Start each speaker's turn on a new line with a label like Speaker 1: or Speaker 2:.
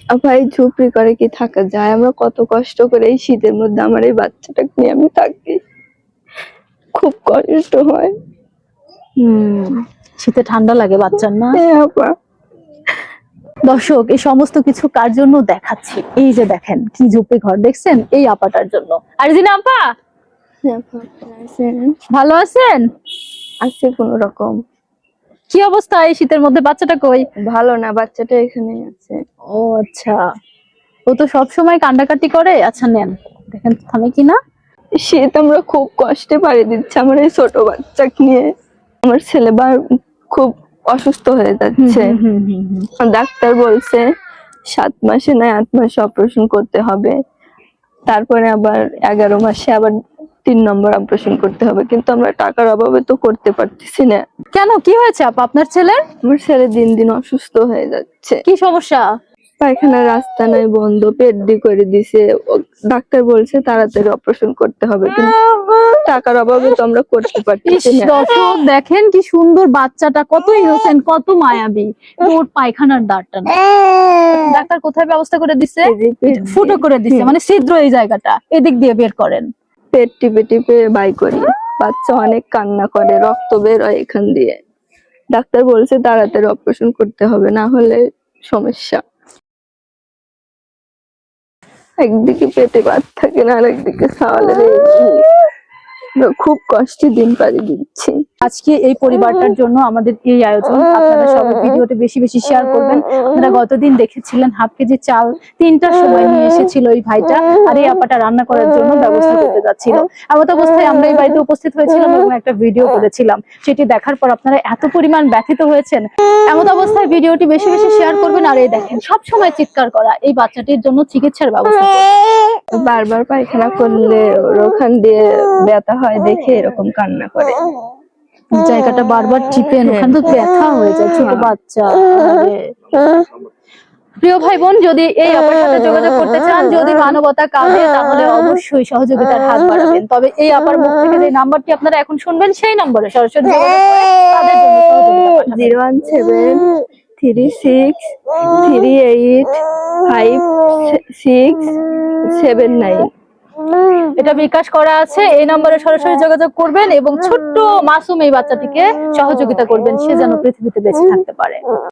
Speaker 1: ভাই ঝুপড়ি করে কি থাকা যায়? আমরা কত কষ্ট করে এই শীতের মধ্যে আমার এই বাচ্চাটাকে নিয়ে আমি থাকি, খুব কষ্ট হয়।
Speaker 2: শীতে ঠান্ডা লাগে বাচ্চার না?
Speaker 1: হ্যাঁ আপা।
Speaker 2: দর্শক, এই সমস্ত কিছু কার জন্য দেখাচ্ছি? এই যে দেখেন কি ঝুপড়ি ঘর দেখছেন, এই আপাটার জন্য। আর জিনা আপা ভালো আছেন?
Speaker 1: আছে কোন রকম।
Speaker 2: কি অবস্থা এই শীতের মধ্যে? বাচ্চাটা কই?
Speaker 1: ভালো না, বাচ্চাটা এখানে আছে।
Speaker 2: ও আচ্ছা, ও তো সব সময় কান্ডাকাটি করে। আচ্ছা নেন, দেখেন থামে কিনা।
Speaker 1: শীত আমরা খুব কষ্টে পাড়ি দিচ্ছি আমার এই ছোট বাচ্চাকে নিয়ে। আমার ছেলে খুব অসুস্থ হয়ে যাচ্ছে। ডাক্তার বলছে 7 মাসে না 8 মাসে অপারেশন করতে হবে, তারপরে আবার 11 মাসে আবার 3 নম্বর অপারেশন করতে হবে, কিন্তু আমরা টাকার অভাবে তো করতে পারতেছি না।
Speaker 2: কেন, কি হয়েছে আপা আপনার ছেলের?
Speaker 1: আমার ছেলে দিন দিন অসুস্থ হয়ে যাচ্ছে।
Speaker 2: কি সমস্যা?
Speaker 1: পায়খানার রাস্তা নাই, বন্ধ, পেট ডি করে দিছে। ডাক্তার বলছে তাড়াতাড়ি অপারেশন করতে হবে, কিন্তু টাকার অভাবে তো আমরা করতে পারতেছি না।
Speaker 2: দর্শক দেখেন কি সুন্দর বাচ্চাটা, কত ইনোসেন্ট, কত মায়াবী। ওর পায়খানার দাঁড়টা না, ডাক্তার কোথায় ব্যবস্থা করে দিছে? ফুটো করে দিছে, মানে ছিদ্র এই জায়গাটা, এদিক দিয়ে বের করেন।
Speaker 1: পেট টিপে টিপে বাই করি। বাচ্চা অনেক কান্না করে, রক্ত বের হয় এখান দিয়ে। ডাক্তার বলছে তাড়াতাড়ি অপারেশন করতে হবে, না হলে সমস্যা। একদিকে পেটে বাত থাকে না, আর একদিকে সাওয়ালের খুব কষ্টে দিন পাড়ি দিচ্ছি।
Speaker 2: আজকে এই পরিবারটার জন্য আমাদের এই আয়োজন। আপনারা সবাই ভিডিওটি বেশি বেশি শেয়ার করবেন। আপনারা গতদিন দেখেছিলেন হাফ কেজি চাল 3টার সময় নিয়ে এসেছিল এই ভাইটা, আর এই আপাটা রান্না করার জন্য ব্যবস্থা করতে যাচ্ছিল। এমত অবস্থায় আমরা এই বাড়িতে উপস্থিত হয়েছিলাম এবং একটা ভিডিও করেছিলাম। সেটি দেখার পর আপনারা এত পরিমাণ ব্যথিত হয়েছেন। এমত অবস্থায় ভিডিওটি বেশি বেশি শেয়ার করবেন। আর এই দেখেন সব সময় চিৎকার করা, এই বাচ্চাটির জন্য চিকিৎসার ব্যবস্থা করবেন।
Speaker 1: বারবার পায়খানা করলে ওখান দিয়ে ব্যথা হয় দেখে এরকম কান্না করে।
Speaker 2: জায়গাটা বারবার টিপেন, ওখানে তো ব্যথা হয়ে যায়, ছোট বাচ্চা। প্রিয় ভাই বোন, যদি এই আপার সাথে যোগাযোগ করতে চান, যদি মানবতা কাঁদে, তাহলে অবশ্যই সহযোগিতার হাত বাড়াবেন। তবে এই আপার মুখ থেকে যে নাম্বারটি আপনারা এখন শুনবেন, সেই নম্বরে সরাসরি যোগাযোগ করে তাদের জন্য সহযোগিতা পাঠাবেন।
Speaker 1: 01736385679।
Speaker 2: এটা বিকাশ করা আছে, এই নম্বরে সরাসরি যোগাযোগ করবেন এবং ছোট্ট মাসুম এই বাচ্চাটিকে সহযোগিতা করবেন, সে যেন পৃথিবীতে বেঁচে থাকতে পারে।